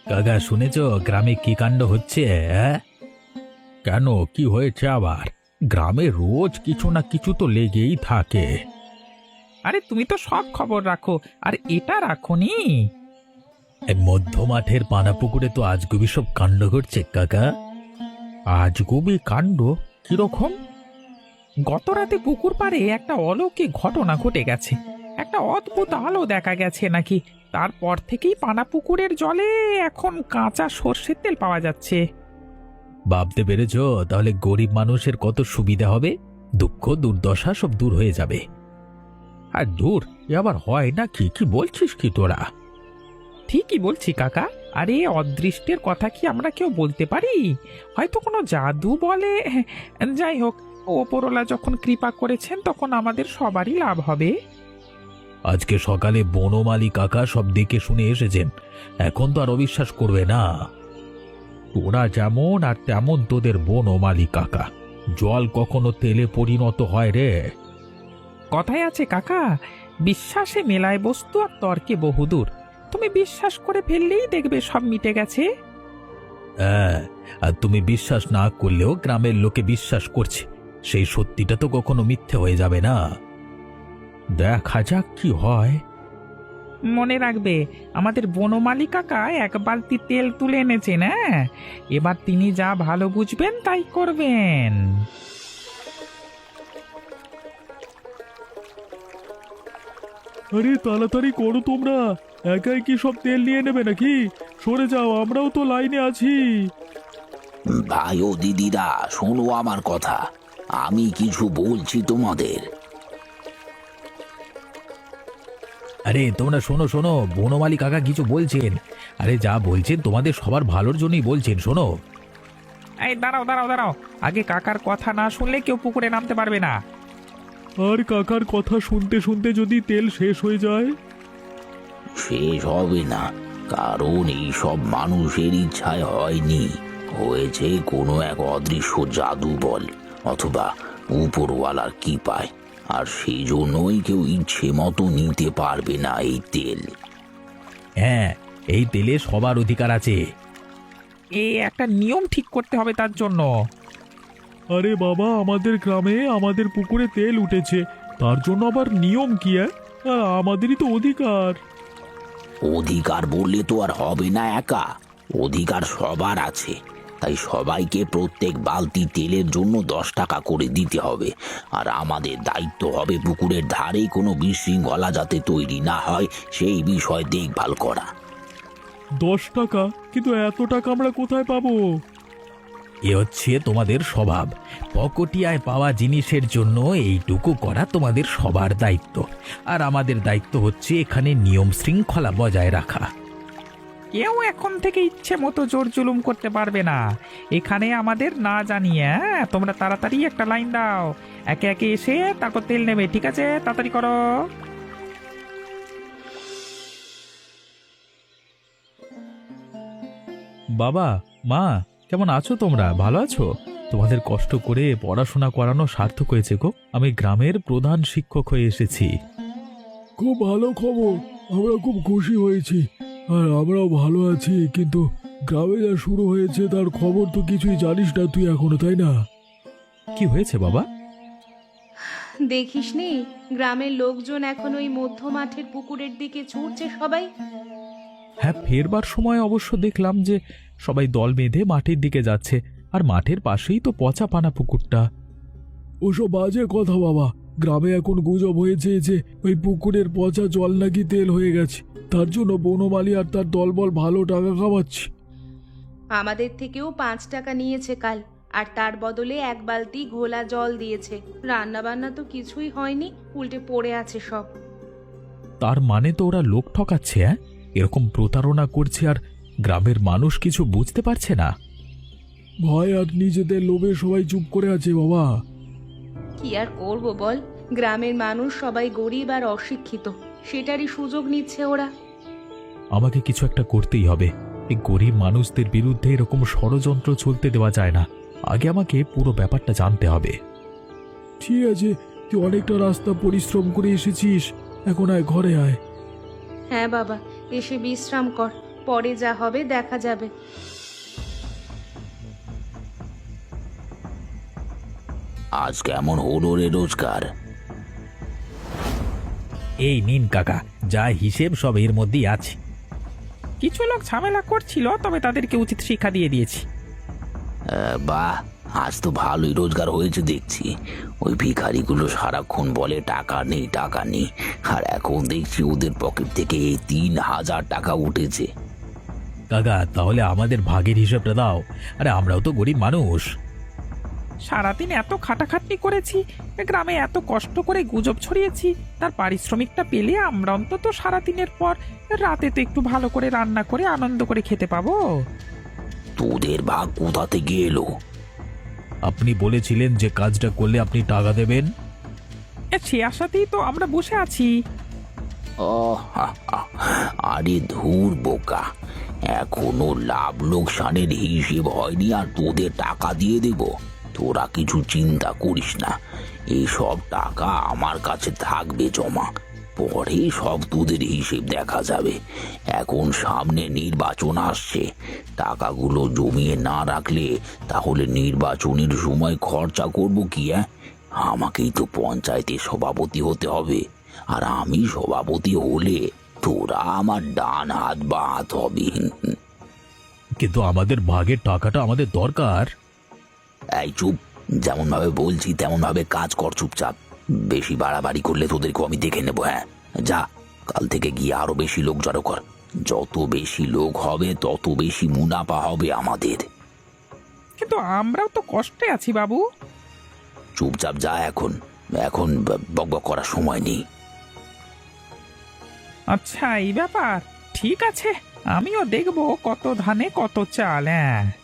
কাকা শুনেছ গ্রামে কি কাণ্ড হচ্ছে? কেন, কি হয়েছে আবার? গ্রামে রোজ কিছু না কিছু তো লেগেই থাকে। আরে তুমি তো সব খবর রাখো, আর এটা রাখোনি। এই মধ্য মাঠের পানাপুকুরে তো আজগুবি সব কাণ্ড ঘটছে কাকা। আজগুবি কাণ্ড? কিরকম? গত রাতে পুকুর পাড়ে একটা অলৌকিক ঘটনা ঘটে গেছে। একটা অদ্ভুত আলো দেখা গেছে নাকি। তারপর থেকেই পানা পুকুরের জলে এখন কাঁচা সর্ষের তেল পাওয়া যাচ্ছে। ভাবতে পেরেছ তাহলে গরিব মানুষের কত সুবিধা হবে? দুঃখ দুর্দশা সব দূর হয়ে যাবে। আর দূর এ আবার হয় না কি? কি বলছিস কি তোরা? ঠিকই বলছি কাকা। আরে অদৃষ্টের কথা কি আমরা কেউ বলতে পারি? হয়তো কোনো জাদু বলে। যাই হোক, ওপরওয়ালা যখন কৃপা করেছেন তখন আমাদের সবারই লাভ হবে। আজকে সকালে বনমালী কাকা সব দেখে শুনে এসেছেন, এখন তো আর অবিশ্বাস করবে না। তোরা যেমন আর তেমন তোদের বনমালী কাকা। জল কখনো তেলে পরিণত হয় রে? কথায় আছে কাকা, বিশ্বাসে মেলায় বস্তু আর তর্কে বহুদূর। তুমি বিশ্বাস করে ফেললেই দেখবে সব মিটে গেছে। হ্যাঁ, আর তুমি বিশ্বাস না করলেও গ্রামের লোকে বিশ্বাস করছে, সেই সত্যিটা তো কখনো মিথ্যে হয়ে যাবে না। দেখা যাক কি হয়। মনে রাখবে, আমাদের বনমালী কাকা এক বালতি তেল তুলে এনেছেন। হ্যাঁ, এবার তিনি যা ভালো বুঝবেন তাই করবেন। আরে তাড়াতাড়ি করো তোমরা, একাই কি সব তেল নিয়ে নেবে নাকি? সরে যাও, আমরাও তো লাইনে আছি। ভাই ও দিদিরা, শোনো আমার কথা। আমি কিছু বলছি তোমাদের। আরে তোমরা শোনো শোনো, বনমালী কাকা কিছু বলছেন। আরে যা বলছেন তোমাদের সবার ভালোর জন্যই বলছেন, শোনো। এই দাঁড়াও দাঁড়াও দাঁড়াও, আগে কাকার কথা না শুনলে কেউ পুকুরে নামতে পারবে না। আর কাকার কথা শুনতে শুনতে যদি তেল শেষ হয়ে যায়? শেষ হবে না, কারণ এই সব মানুষের ইচ্ছায় হয়নি, হয়েছে কোনো এক অদৃশ্য জাদু বল অথবা উপরওয়ালার কৃপায়। আর সেই জন্যই কেউ ইচ্ছে মতো নিতে পারবে না এই তেল। হ্যাঁ, এই তেলে সবার অধিকার আছে। একটা নিয়ম ঠিক করতে হবে তার জন্য। আরে বাবা, আমাদের গ্রামে আমাদের পুকুরে তেল উঠেছে, তার জন্য আবার নিয়ম কি? আর আমাদেরই তো অধিকার। অধিকার বললে তো আর হবে না একা, অধিকার সবার আছে। তাই সবাইকে প্রত্যেক বালতি তেলের জন্য 10 টাকা করে দিতে হবে। আর আমাদের দায়িত্ব হবে পুকুরের ধারে কোনো বিশৃঙ্খলা যাতে তৈরি না হয় সেই বিষয় দেখভাল করা। 10 টাকা? কিন্তু এত টাকা আমরা কোথায় পাবো? এ হচ্ছে তোমাদের স্বভাব। পকটিয়ায় পাওয়া জিনিসের জন্য এইটুকু করা তোমাদের সবার দায়িত্ব। আর আমাদের দায়িত্ব হচ্ছে এখানে নিয়ম শৃঙ্খলা বজায় রাখা। কেউ এখন থেকে ইচ্ছে মতো জোর জুলুম করতে পারবে না এখানে আমাদের না জানিয়ে। তোমরা তাড়াতাড়ি একটা লাইন দাও, একে একে এসে তারপর তেল নেবে। ঠিক আছে, তাড়াতাড়ি করো। বাবা, মা, কেমন আছো তোমরা? ভালো আছো? তোমাদের কষ্ট করে পড়াশোনা করানো সার্থক হয়েছে গো। আমি গ্রামের প্রধান শিক্ষক হয়ে এসেছি। খুব ভালো খবর, আমরা খুব খুশি হয়েছি। আর আমরাও ভালো আছি, কিন্তু গ্রামে যা শুরু হয়েছে তার খবর তো কিছুই জানিস না তুই এখনো, তাই না? কি হয়েছে বাবা? দেখিসনি, গ্রামের লোকজন এখন ওই মধ্য মাঠের পুকুরের দিকে ছুটছে সবাই। হ্যাঁ, ফেরবার সময় অবশ্য দেখলাম যে সবাই দল বেঁধে মাঠের দিকে যাচ্ছে। আর মাঠের পাশেই তো পচা পানা পুকুরটা। ওসব বাজে কথা বাবা। গ্রামে এখন গুজব হয়েছে যে ওই পুকুরের পচা জল নাকি তেল হয়ে গেছে, তার জন্য বনমালী আর তার দলবল ভালো টাকা কামাচ্ছে। আমাদের থেকেও 5 টাকা নিয়েছে কাল, আর তার বদলে 1 বালতি ঘোলা জল দিয়েছে। রান্না বান্না তো কিছুই হয়নি, উল্টে পড়ে আছে সব। তার মানে তো ওরা লোক ঠকাচ্ছে। হ্যাঁ, এরকম প্রতারণা করছে আর গ্রামের মানুষ কিছু বুঝতে পারছে না। ভয় আর নিজেদের লোভে সবাই চুপ করে আছে বাবা। কি আর করব বল, গ্রামের মানুষ সবাই গরিব আর অশিক্ষিত, সেটারই সুযোগ নিচ্ছে ওরা। আমাকে কিছু একটা করতেই হবে। এই গরিব মানুষদের বিরুদ্ধে এরকম ষড়যন্ত্র চলতে দেওয়া যায় না। আগে আমাকে পুরো ব্যাপারটা জানতে হবে। ঠিক আছে, তুই অনেকটা রাস্তা পরিশ্রম করে এসেছিস, এখন আয়, ঘরে আয়। হ্যাঁ বাবা, এসে বিশ্রাম কর। পরে যা হবে দেখা যাবে। আজ কেমন হলো রে রোজগার? এই নিন কাকা, যা হিসেব সব এর মধ্যেই আছে। কিছু লোক ঝামেলা করছিল, তবে তাদেরকে উচিত শিক্ষা দিয়ে দিয়েছি। বাহ, আজ তো ভালোই রোজগার হয়েছে দেখছি। ওই ভিখারিগুলো সারাক্ষণ বলে টাকা নেই টাকা নেই, আর এখন দেখছি ওদের পকেট থেকে এই 3,000 টাকা উঠেছে। কাকা তাহলে আমাদের ভাগের হিসাবটা দাও, আরে আমরাও তো গরিব মানুষ। সারাদিন এত খাটাখাটনি করেছি, গ্রামে এত কষ্ট করে গুজব ছড়িয়েছি, তার পারিশ্রমিকটা পেলে আমরা অন্তত সারাদিনের পর রাতে তো একটু ভালো করে রান্না করে আনন্দ করে খেতে পাবো। তোদের ভাগ কোথা থেকে এলো? আপনি বলেছিলেন যে কাজটা করলে আপনি টাকা দেবেন। সে আশাতেই তো আমরা বসে আছি। আরে ধুর বোকা, এখনো লাভ লোকসানের হিসেব হয়নি আর তোদের টাকা দিয়ে দেব? তোরা কিছু চিন্তা করিস না, এইসব টাকা আমার কাছে থাকবে জমা, পরে সব তোদের হিসেব দেখা যাবে। এখন সামনে নির্বাচন আসছে, টাকাগুলো জমিয়ে না রাখলে তাহলে নির্বাচনের সময় খরচা করব কি? আমাকেই তো পঞ্চায়েতের সভাপতি হতে হবে, আর আমি সভাপতি হলে তোরা আমার ডান হাত বা হাত হবে। কিন্তু আমাদের ভাগের টাকাটা আমাদের দরকার। এই চুপ, যেমন ভাবে বলছি তেমন ভাবে কাজ কর চুপচাপ। বেশি বাড়াবাড়ি করলে তোদেরকে আমি দেখে নেবো। হ্যাঁ যা, কাল থেকে গিয়ে আরো বেশি লোক জড়ো কর। যত বেশি লোক হবে তত বেশি মুনাফা হবে আমাদের। কিন্তু আমরাও তো কষ্টে আছি বাবু। চুপচাপ যা, এখন এখন বকবক করার সময় নেই। আচ্ছা এই ব্যাপার, ঠিক আছে, আমিও দেখবো কত ধানে কত চাল। হ্যাঁ।